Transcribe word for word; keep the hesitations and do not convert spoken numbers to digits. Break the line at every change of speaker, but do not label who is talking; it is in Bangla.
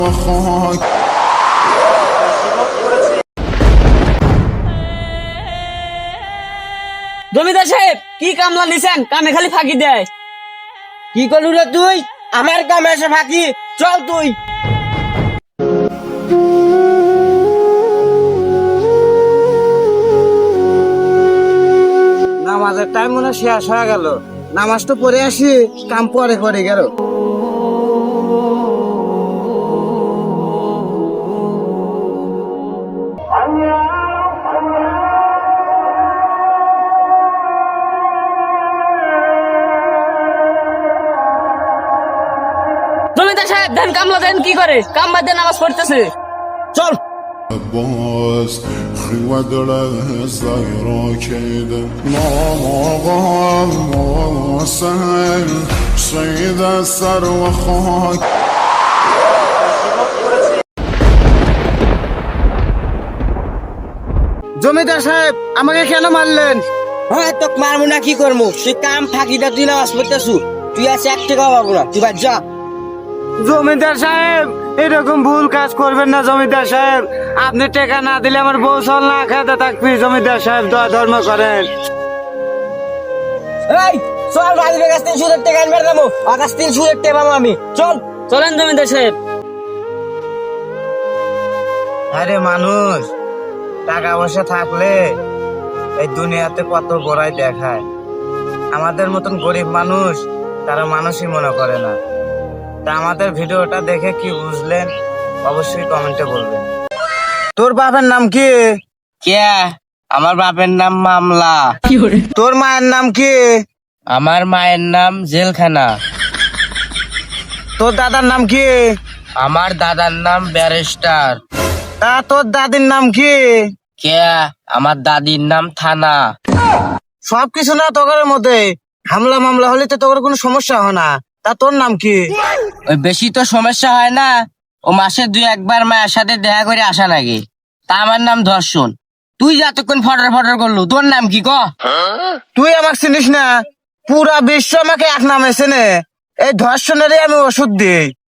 জমিদার সাহেব কি কামলা নিছেন? কামে খালি ফাঁকি দেয়।
কি করলু রে তুই? আমার কামে এসে ফাঁকি? চল তুই। নামাজের টাইম মনে শেষ হয়ে গেল, নামাজ তো পড়ে আসি, কাম পরে করে গেল।
জমিদার সাহেব দেন কামলা দেন কি করে? কাম বাদ দিয়ে নামাজ পড়তেছে।
চল।
باز خیوه داره زایرا کیده ناماغم واسل سید سر و خاک
জমিদার সাহেব আমাকে কেন মারলেন? হ্যাঁ তোকে মারবো না কি করবো? তুই কাম ফাঁকিটা তুই নামাজ পড়তেছু, তুই আছে এক টাকা পাবো না, তুই বাদ যা। জমিদার সাহেব এরকম ভুল কাজ করবেন না জমিদার সাহেব, আপনি টাকা না দিলে আমার বউ চল না খেতে থাকবি। জমিদার সাহেব দয়া ধর্ম করেন। এই চল রাজীবের কাছ থেকে সুদের টাকা আনবার যাবো, আকাশ থেকে সুদের টাকা পাবো আমি। চল
চলেন জমিদার সাহেব।
আরে মানুষ টাকা পয়সা থাকলে এই দুনিয়াতে কত বড়াই দেখায়, আমাদের মতন গরিব মানুষ তারা মানুষই মনে করে না। তা আমাদের ভিডিওটা দেখে কি বুঝলেন অবশ্যই কমেন্টে বলবেন। তোর বাপের নাম কি? কে? আমার বাপের নাম মামলা। তোর মায়ের নাম কি? আমার মায়ের নাম জেলখানা। তোর দাদার নাম কি? আমার দাদার নাম ব্যারিস্টার। তা তোর দাদির নাম কি? কে? আমার দাদির নাম থানা। সবকিছু না তোর মধ্যে হামলা মামলা হলে তো তোর কোনো সমস্যা হয় না। তা তোর নাম কি? ওই বেশি তো সমস্যা হয় না, ও মাসে দুই একবার মায়ের সাথে দেখা করে আসা নাকি। তা আমার নাম ধর্ষণ। তুই যতক্ষণ ফটর ফটর করলু, তোর নাম কি ক? তুই আমাকে চিনিস না? পুরা বিশ্ব আমাকে এক নামে চেনে। এই ধর্ষণেরই আমি ওষুধ দিই।